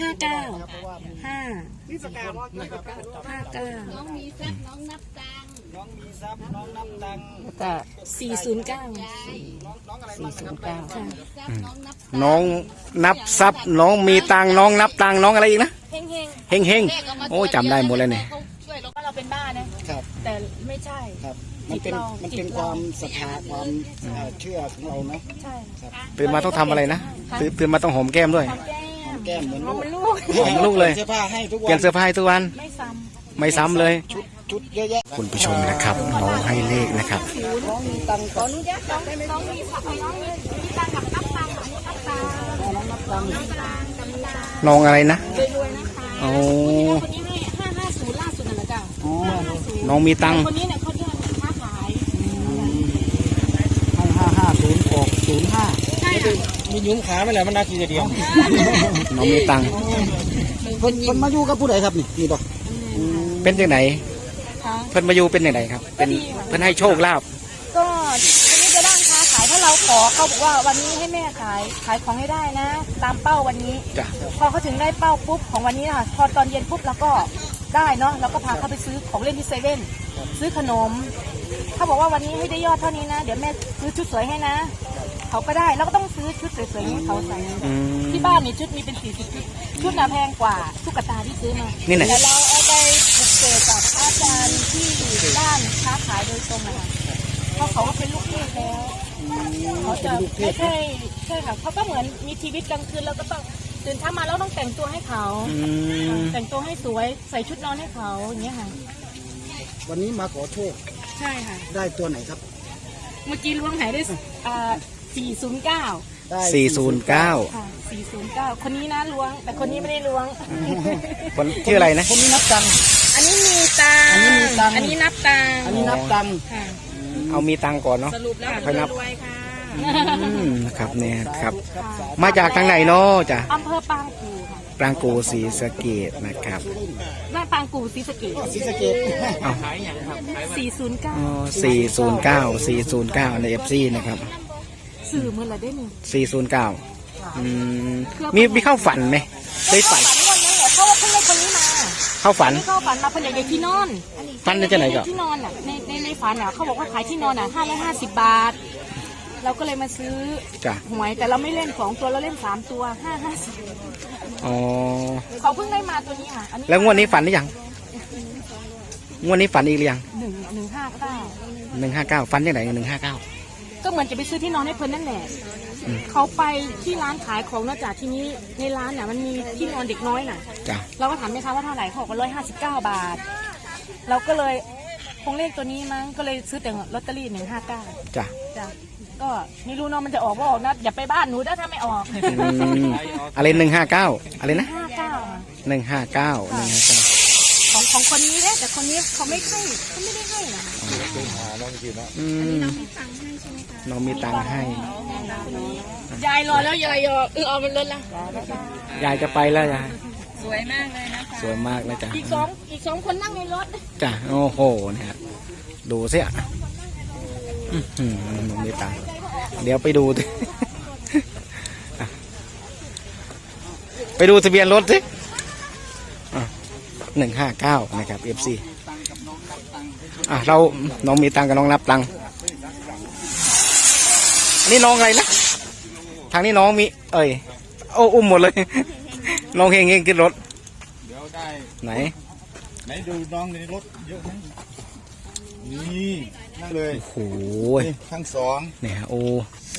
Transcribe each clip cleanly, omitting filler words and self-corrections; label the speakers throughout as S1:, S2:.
S1: น้องมีทรัพย์น้องนับตังค์
S2: น้องมีทรัพย์น้องนับตังค์
S3: ก็409
S2: น้องอะไรบ้างนะครับ
S3: 409ค่ะ
S4: น้องนับทรัพย์น้องมีตังน้องนับตังน้องอะไรอีกนะ
S3: เฮง
S4: เฮงเฮงโอ้จำได้หมดเลยเนี่ย
S3: ช่วยเราก็เราเป็นบ้านะครับ แต่ไม่ใช่
S2: ครับมันเป็นความศรัทธาความเชื่อของเราเนาะ
S3: ใช่
S4: ตื่นมาต้องทำอะไรนะตื่นมาต้องหอมแก้มด้วย
S2: แก้มเหมือน
S3: เอามันลูก
S4: หอมลูกเลย
S2: เสื้อผ้าให้ทุก
S4: เปลี่
S2: วั
S4: ยนเสื้อผ้าให้ทุกวัน
S3: ไม่ซ้ำ
S4: ไม่ซ้ำเลย
S2: ชุดเยอะแยะ
S4: คุณผู้ชมนะครับน้องให้เลขนะครับ
S2: น้องมีตังค์ก่อน
S3: น้องมีทรัพย์น้องมีตังค์กับนับตังค์นับตังค์
S2: น้องนับตังค์
S4: น้องอะไรนะ
S3: รวยๆนะคะ
S4: โอ้
S3: คนนี้ให้550ล่าสุดนั่นแหละจ้ะ
S2: อ๋อ
S4: น้องมีตังค์
S3: คนนี้เนี่ยเขาเรียกค้าขาย
S2: ให้550ออก05
S3: ใช่ค่ะ
S2: มียุ้มขาไม่แหละมันน่ากินเดียว
S4: น้องมีตังค์
S2: คนมาอยู่กับผู้ใดครับนี่บอก
S4: เป็นยังไง
S3: ค่ะ
S4: เพิ่นมาอยู่เป็นยังไงครับเป็นเพิ่นให้โชคลาภ
S3: ก็วันนี้จะด้านค้าขายถ้าเราขอเขาบอกว่าวันนี้ให้แม่ขายของให้ได้นะ ตามเป้าวันนี้
S4: จ้ะ
S3: พอเขาถึงได้เป้าปุ๊บของวันนี้ค่ะพอตอนเย็นปุ๊บเราก็ได้เนาะเราก็พาเขาไปซื้อของเล่นที่เซเว่นซื้อขนมเขาบอกว่าวันนี้ให้ได้ยอดเท่านี้นะเดี๋ยวแม่ซื้อชุดสวยให้นะเขาก็ได้แล้วก็ต้องซื้อชุดสวยๆให้เขาใส่
S4: อืม
S3: ที่บ้านนี่ชุดมีเป็น40ชุดน่ะแพงกว่าตุ๊กตาที่ซื้อมา
S4: นี่ไหน
S3: แต่เราเอาไปปลูกเสกกับอาจารย์ที่ด้านค้าขายโดยตรงนะคะเพราะเขาก็เป็นลูกเทพแล้วเขาจะไม่ใช่ค่ะเขาก็เหมือนมีชีวิตกลางคืนเราก็ต้องตื่นเช้ามาแล้วต้องแต่งตัวให้เขา
S4: อืม
S3: แต่งตัวให้สวยใส่ชุดนอนให้เขาอย่างเงี้ยค่ะ
S2: วันนี้มาขอโชค
S3: ใช่ค่ะ
S2: ได้ตัวไหนครับ
S3: เมื่อกี้ล้วงหายได้409
S2: ได้
S4: 409
S3: ค่ะ409คนนี้นะล้วง แต่คนนี้ไม่ได้ล้วง
S4: คนชื่ออะไรนะ
S2: คนนี้นับตังค์
S3: อันนี้มีตัง
S2: อันนี้มีตังค์
S3: อันนี้นับตัง
S2: อันนี้นับตังค์
S3: ค่ะ
S4: เอามีตังค์ก่อนเนาะ
S3: สรุปแล้ว
S4: ค่อยนับ
S3: รวยๆค่ะ
S4: นะครับเนี่ยครับ มาจากทางไหนเนาะจ้ะ
S3: อำเภอปางกูค่ะ
S4: ปรางกูศรีสะเกษนะครับ
S3: บ้านปางกูศรีสะเกษ
S2: ศรีสะเกษ
S4: เอา
S3: 409
S4: อ๋อ409ใน FC นะครับ
S3: สื่อเมื่อไรได้หนึ่ง
S4: 409มีเข้าฝันไหมได้ฝัน
S3: วันนั้นเหรอเพราะว่าเพิ่งได้คนนี้มา
S4: เข้าฝัน
S3: ไม่เข้าฝันมาเพิ่นอยากได้ที่นอน
S4: ฝันได้จะไหนก็
S3: ที่นอนอ่ะในฝันอ่ะเขาบอกว่าขายที่นอนอ่ะ550 บาท เราก็เลยมาซื้อ
S4: จ้ะ
S3: หวยแต่เราไม่เล่น2ตัวเราเล่น3ตัว550
S4: อ๋อ
S3: เขาเพิ่งได้มาตัวนี้ค่ะอันนี้
S4: แล้วงวดนี้ฝันหรือยังงวดนี้ฝันอีกหรือยัง
S3: 159
S4: 159ฝันยังไง159
S3: ก็เหมือนจะไปซื้อที่นอนให้เพิ่นนั่นแหละเขาไปที่ร้านขายของนอกจากที่นี้ในร้านน่ะมันมีที่นอนเด็กน้อยน่ะ
S4: จ้ะ
S3: เราก็ถามแม่ค้าว่าเท่าไหร่เขาบอกว่า159 บาท เราก็เลยคงเลขตัวนี้มั้งก็เลยซื้อแต่ลอตเตอรี่159
S4: จ้ะ
S3: จ้ะก็ไม่รู้เนาะมันจะออกว่าออกนะอย่าไปบ้านหนูนะถ้าไม่ออก
S4: อะไร159อะไรนะ
S3: 59
S4: 159
S3: ของคนนี้เนี่ยแต่คนนี้เขาไม่ให้เขาไม่ได้ให้นะ
S4: อืมน้องมีตังค์ให้
S3: ยายรอแล้วยายเอามันเลยละ
S4: ยายจะไปแล้วยาย
S3: สวยมากเลยนะคะ
S4: สวยมากเลยจ้ะ
S3: อีกสองคนนั่งในรถ
S4: จ้ะโอ้โหเนี่ยดูสิอ่ะน้องมีตังค์เดี๋ยวไปดูดิ อ่ะไปดูทะเบียนรถสิ159นะครับ FC เราน้องมีตังค์กับน้องนับตังค์อันนี้น้องอะไรนะทางนี้น้องมีโอ้อุ้มหมดเลย น้องเฮงขึ้นรถ
S2: เดี๋ยวได้
S4: ไหน
S2: ดูน้องในรถเยอะไหมนี่นั่งเลย
S4: โอ้โห
S2: ทั้งสอง
S4: เนี่ยโอ้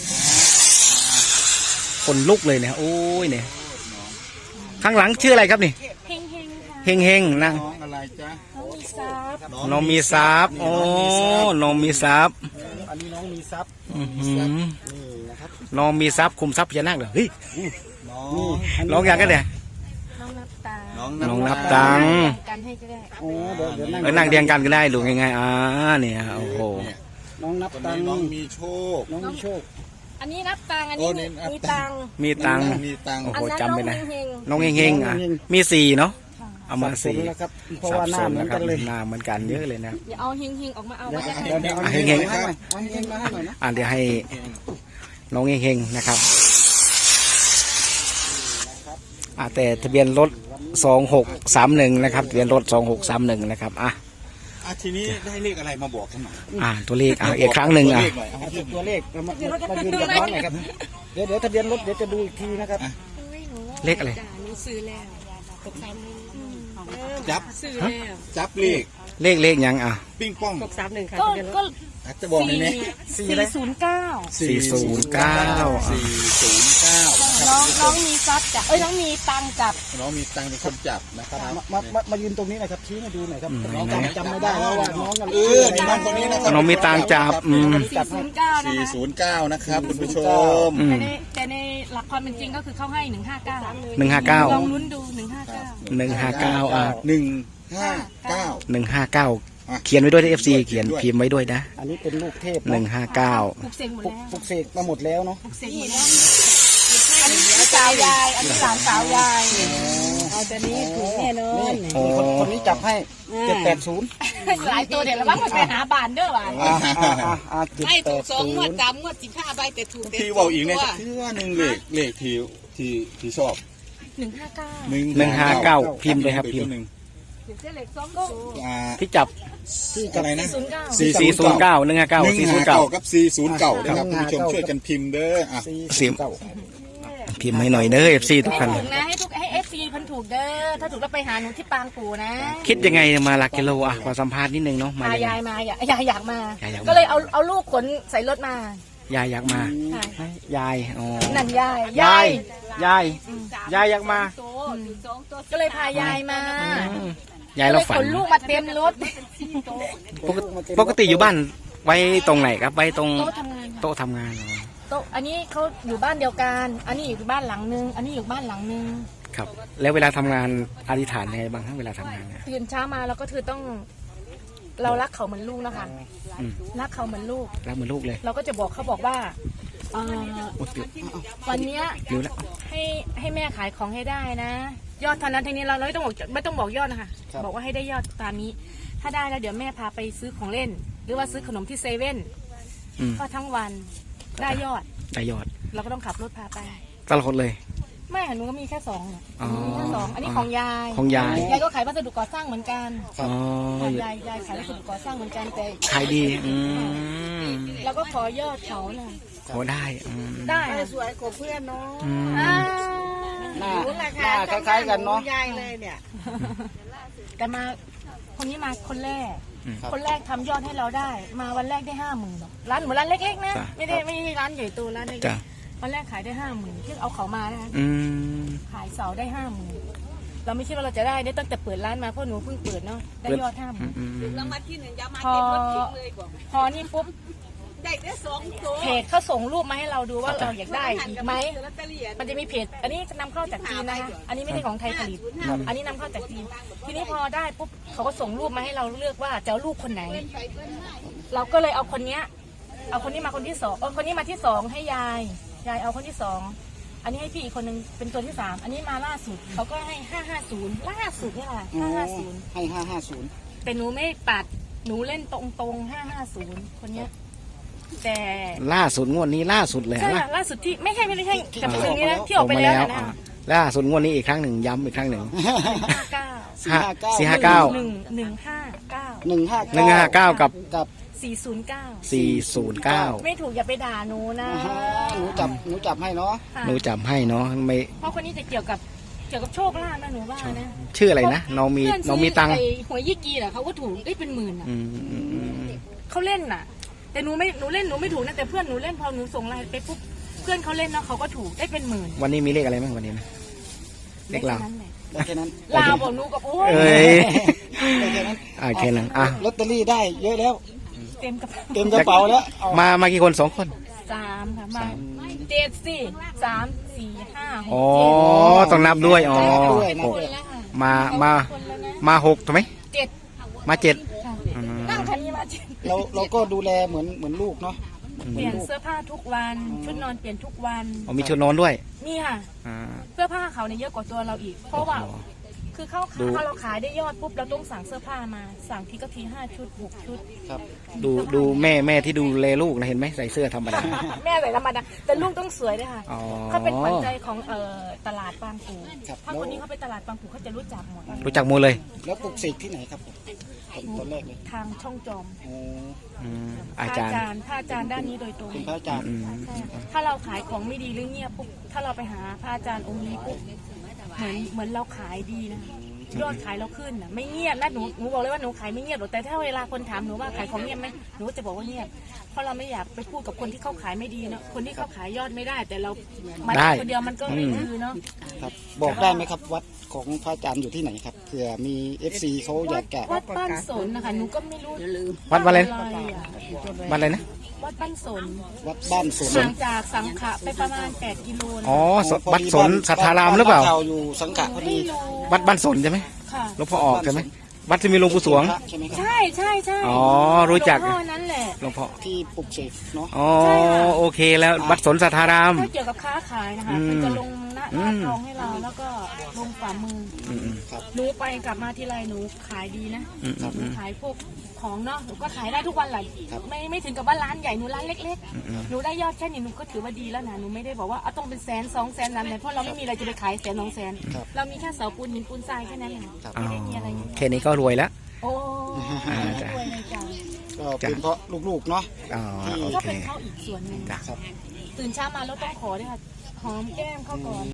S4: คนลุกเลยเนี่ยโอ้ยเนี่ยข้างหลังชื่ออะไรครับนี่
S3: เฮงค่ะ
S4: เฮงนะ
S2: น้องอะไรจ๊ะ
S3: น้องมีทรัพย์
S4: น้องมีทรัพย์โอ้น้องมีทรัพย์
S2: อันนี้น้องมีทรัพย์
S4: อื้อหือ
S2: นี่นะครับ
S4: น้องมีทรัพย์คุมทรัพย์พญานาคเหรอเฮ้ย
S2: น้อง
S4: ร้องอย่างกันเนี่ย
S3: น้องนับตา
S4: น้องนับตังค์
S3: กันให้ก็ได้
S2: โอ้เดี๋ยวนั่ง
S4: นั่งเรียงกันก็ได้ดูง่ายๆเนี่ยโอ้โห
S2: น้องนับตังค์น้องมีโชคน้องมีโชค
S3: อันนี้นับตังค์อันนี้มีตังค์
S4: มีตังค์
S2: มีตังค์
S4: โอ้
S3: อั
S4: โห
S3: นนั้น
S4: จำไม่ได้
S3: น้องเฮง
S4: น้องเฮงๆมี4เนาะเอามา
S2: สับสน
S4: 4
S2: แล้วครับเพราะ
S4: สับ
S2: ว่าห
S4: ส
S2: น้าน เหมือ
S4: นะ
S2: น
S4: ครั
S2: กับ นเลย
S4: หน้าเหมือนกันเยอะเลยนะ
S3: อย่าเอาเฮงๆออกมาเอา
S2: เดี๋ยว
S3: ไว้
S2: เดี๋ยวเอา
S4: เฮ
S2: เฮ
S4: ง
S2: ง
S4: ๆ
S2: ๆมาให้หน่อยเอาเฮงๆมาให้หน่อยนะ
S4: เดี๋ยวให้น้องเฮงๆนะครับแต่ทะเบียนรถ2631นะครับทะเบียนรถ2631นะครับ
S2: ทีนี้ได้เลขอะไรมาบอกกันหน่อย
S4: ตัวเลขอีกครั้งหนึ่ง
S2: ตัวเลขหน่อยเอา
S5: ตัวเลขมายืนยันน้องหน่อยครับเดี๋ยวทะเบียนรถเดี๋ยวจะดูอีกทีนะครับ
S4: เลขอะไร
S1: หนูซื้อแล้วตกสามหนึ่ง
S2: จับ
S1: ซื้อแล้ว
S2: จับเลข
S4: เลขยัง
S2: ปิ้งป้อง
S3: ก็
S2: จะบอกในนี้
S3: 409
S4: 409
S3: น้องมีซับจับน้องมีตังจับ
S2: น้องมีตังค์เป็นคนจับนะครับ
S5: มายืนตรงนี้หน่อยครับชี้ให้ดูหน่อยครับน้องจำไม่ได้แล้วว่าน้องกัน
S2: นี่น้องคนนี้นะครับ
S4: น้องมีตังจับ
S3: 409นะคะ
S2: 409นะครับคุณผู้ชม
S3: แต่ในหลักความเป็นจริงก็คือเขาให้159ลอง
S4: 159
S3: ลุ้นดู
S4: 159เขียนไว้ด้วยที่ FC เขียนพิมพ์ไว้ด้วยนะ
S5: อันนี้เป็นลูกเทพ
S4: 159
S3: ปลุกเสกหมดแล้ว
S5: ปลุกเสกมาหมดแล้วเนาะ
S3: ปลุกเสกหมดแล้วอันนี้สาวยายอันนี้หลานสาวยายเอาแต่นี้ถูกแน่นอน
S5: นี่คนนี้จับให้780
S3: หลายตัวเดี๋ยวเราบ้างไปหาบานเด้อว่ะ
S1: ให้ถูก2งวด3งวด15ใบแต่ถูก
S2: ที่บอกอีกเนี่ยคือว่าหนึ่งเลขที่ชอบ
S4: 159พิมพ์เลยครับพิมพ์
S1: เล็ก2ตัว
S4: ที่จับ
S2: อะไรนะ
S4: 409 159
S2: กับ409นะครับคุณผู้ชมช่วยกันพิมพ์เด้อ
S4: พิมพ์ให้หน่อยเด้อ FC ทุกท่าน
S3: ถูกนะให้เอฟซีพันถูกเด้อถ้าถูกแล้วไปหาหนูที่ปางกูนะ
S4: คิดยังไงมาหลักกิโลขอสัมภาษณ์นิดนึงเนาะ
S3: พายายมาอยากมา
S4: ยายอยากมา
S3: ก็เลยเอาลูกขนใส่รถมาย
S4: ายอยากมา ยาย
S3: นั่นยาย
S4: ยายอยากมา
S3: ก็เลยพายายมาย
S4: ายเราฝัน
S3: ขนลูกมาเต็มรถ
S4: ปกติอยู่บ้านไว้ตรงไหนครับไว้ตรง
S3: โต๊ะทำงาน
S4: โต๊ะทำงาน
S3: โต๊ะอันนี้เขาอยู่บ้านเดียวกันอันนี้อยู่บ้านหลังนึงอันนี้อยู่บ้านหลังนึง
S4: ครับ แล้วเวลาทำงานอธิษฐานยังไงบ้างครับเวลาทำงานเนี่ย
S3: ตื่นเช้ามาเราก็คือต้องเรารักเขาเหมือนลูกนะคะรักเขาเหมือนลูก
S4: รักเหมือนลูกเลย
S3: เราก็จะบอกเขาบอกว่าวันเนี้ย
S4: รู้แล้ว
S3: ให้แม่ขายของให้ได้นะ ยอดเท่านั้นทีนี้เราไม่ต้องบอกยอดนะคะบอกว่าให้ได้ยอดตามนี้ ถ้าได้แล้วเดี๋ยวแม่พาไปซื้อของเล่น หรือว่าซื้อขนมที่เซเว่นก็ทั้งวันได้ยอด เราก็ต้องขับรถพาไป
S4: ตลอดเลย
S3: ไม่หนูก็มีแค่2มีแค่2อันนี้ของยาย
S4: ของยาย
S3: ยายก็ขายวัสดุก่อสร้างเหมือนกัน ยายขายวัสดุก่อสร้างเหมือนกันแต่
S4: ขายดี
S3: เราก็ขอยอดเขาน่ะ
S4: ขอได้
S3: ได้
S1: สวยกว่าเพื่อนเนาะ
S5: หน้าคล้ายๆกันเนาะ
S1: ยายเลยเนี่ย
S3: แต่มาคนนี้มาคนแรกทำยอดให้เราได้ มาวันแรกได้50,000ร้านเหมือนร้านเล็กๆนะไม่ได้ร้านใหญ่โตร้านเล็กวันแรกขายได้50,000ที่เอาเขามานะคะขายเสาได้50,000เราไม่คิดว่าเราจะได้ตั้งแต่เปิดร้านมาเพราะหนูเพิ่งเปิดเนาะได้ยอด50,000
S1: รางวัลที่1ยามาเก็บรถทิ้งเลยบอก
S3: พอนี่ปุ๊บ
S1: ได้2ตัว
S3: เพจเขาส่งรูปมาให้เราดูว่าเราอยากได้อีกไหมมันจะมีเพจอันนี้นำเข้าจากจีนนะคะอันนี้ไม่ใช่ของไทยผลิตอันนี้นำเข้าจากจีนทีนี้พอได้ปุ๊บเขาก็ส่งรูปมาให้เราเลือกว่าจะเอาลูกคนไหน เราก็เลยเอาคนนี้มาคนที่2คนนี้มาที่2ให้ยายเอาคนที่2อันนี้ให้พี่อีกคนนึงเป็นตัวที่3อันนี้มาล่าสุดเขาก็ให้550ล่าสุดนี่แหละ550
S5: ให้550
S3: แต่หนูไม่ปัดหนูเล่นตรง550คนเนี้ยแต่
S4: ล่าสุดงวดนี้ล่าสุดเลย
S3: ใช่ล่าสุดที่ไม่ใช่กับเรื่องนี้นะที่ออกไปแล้วนะ
S4: ล่าสุดงวดนี้อีกครั้งหนึ่งย้ำอีกครั้งหนึ่ง
S5: 459
S3: 159กับ409ไม่ถูกอย่าไปด่าหนูนะ
S5: หนูจับให้เนาะ
S4: ไม่
S3: เพราะคนนี้จะเกี่ยวกับโชคลาภนะหนูว่านะ
S4: ชื่ออะไรนะน้องมีตังค์
S3: หวยยี่กีเหรอเขาก็ถูกได้เป็นหมื่นอ่ะเขาเล่นน่ะแต่หนูเล่นหนูไม่ถูกนะแต่เพื่อนหนูเล่นพอหนูส่งไลน์ไปปุ๊บเพื่อนเขาเล่นนะเขาก็ถูกได้เป็นหมื่น
S4: วันนี้มีเลขอะไรบ้างวันนี้นะเลขลาว
S5: แค่นั้น
S3: ลาวบอกหนูกับโอ้ย
S5: แค่นั้น
S4: แค่นั้น
S5: ลอตเตอรี่ได้เยอะแล้ว
S3: เต็มก
S5: ระเป๋าแล้ว
S4: มากี่คน2 คน
S3: 3ค่ะมา7 4 3 4 5
S4: 6ต้องนับด้วยมา6ถูกไหม7มา7
S3: นั่งคันนี้มา
S5: เราก็ดูแลเหมือนลูกเนาะ
S3: เปลี่ยนเสื้อผ้าทุกวันชุดนอนเปลี่ยนทุกวัน
S4: มีชุดนอนด้วย
S3: นี่ค่ะเสื้อผ้าเขาเนี่ยเยอะกว่าตัวเราอีกเพราะว่าคือเข้า
S4: ดู
S3: ถ้าเราขายได้ยอดปุ๊บเราต้องสั่งเสื้อผ้ามาสั่งทีก็ที5 ชุด 6 ชุด
S5: ครับ
S4: ดูแม่ที่ดูแลลูกนะเห็นไหมใส่เสื้อธรรมดา
S3: แม่ใส่ธรรมดาแต่ลูกต้องสวยด้วยค่ะ
S4: อ๋อ
S3: เขาเป็นขวัญใจของตลาดบางปู
S5: ครับ
S3: ถ้าคนนี้เขาไปตลาดบางปูเขาจะรู้จักหมด
S4: รู้จักหมดเลย
S5: แล้วปลุกเสกที่ไหนครับผมตอนแรกเลย
S3: ทางช่องจอม
S5: โอ้
S4: อาจารย์
S3: พระอาจารย์ด้านนี้โดยตรง
S5: เป็นพระอาจารย์
S3: ใช่ถ้าเราขายของไม่ดีหรือเงียบปุ๊บถ้าเราไปหาพระอาจารย์องค์นี้ปุ๊บเหมือนเราขายดีนะยอดขายเราขึ้นนะไม่เงียบนะหนูบอกเลยว่าหนูขายไม่เงียบหรอกแต่ถ้าเวลาคนถามหนูว่าขายของเงียบไหมหนูก็จะบอกว่าเงียบเพราะเราไม่อยากไปพูดกับคนที่เขาขายไม่ดีเนาะคนที่เขาขายยอดไม่ได้ แต่เรามา
S4: ได้
S3: คนเดียวมันก็ไม่คือเนาะ
S5: ครับบอกได้ไหมครับวัดของพระอาจารย์อยู่ที่ไหนครับเผื่อมี FC เขาอยากแกะ
S3: วัดบ้านสนนะคะหนูก็ไม่รู้
S4: วัดอะไรนะ
S3: อะไรอะ
S4: วัดอะไรนะ
S3: วัดบ้านสน
S5: วัดบ้านสวน
S3: ห่างจากสังขะไปประมาณ8 กิโลนะ
S4: อ๋อวัดสนสัทธารามหรือเปล่า
S5: เราอยู่สังขะพอดี
S3: ไม่รู้
S4: วัดบ้านสนใช่ไหม
S3: ค่ะ
S4: หลวงพ่อออกใช่ไหมวัดที่มีหลวงปู่สวง
S5: ใช่ไหมครับ
S3: ใช่ใช่ใช่
S4: อ๋อรู้จัก
S3: หลวงพ่อนั้นแหละ
S4: หลวงพ่อ
S5: ที่ปลุกเสกเนาะ
S4: อ๋อโอเคแล้ววัดสนสัทธาราม
S3: ถ้าเกี่ยวกับค้าขายนะคะ
S4: อืม
S3: คือจะลงหน้าทองให้เราแล้วก็ลงฝ่ามือ
S4: อืม
S3: หนูไปกลับมาทีไรหนูขายดีนะ
S4: อืมอืม
S3: หนูขายพวกของเนาะหนูก็ขายได้ทุกวันแหละไม่ถึงกับว่าร้านใหญ่หนูร้านเล็กๆหนูได้ยอดแค่นี้หนูก็ถือว่าดีแล้วนะหนูไม่ได้บอกว่าเอาต้องเป็น100,000 200,000นั้นเลยเพราะเราไม่มีอะไรจะไปขาย100,000 200,000เรามีแค่เสาปูนหินปูนทรายแค่นั้นเอง
S4: อ๋อ
S3: ไม่ได้มีอะไรเยอะ
S4: แค่นี้ก็รวยแล้ว
S3: โอ้
S4: จ้ะ
S3: รวยเลยจ้ะ
S5: ก็เป็นเพราะลูกๆเนาะ
S4: อ๋อโอ
S3: ก็
S4: เค
S3: เป็นข้าวอีกส่วนหนึ่ง
S4: จ้ะ
S5: ครับ
S3: ตื่นเช้ามาแล้วต้องขอด้วยค่ะหอมแก้มเข้าก่อน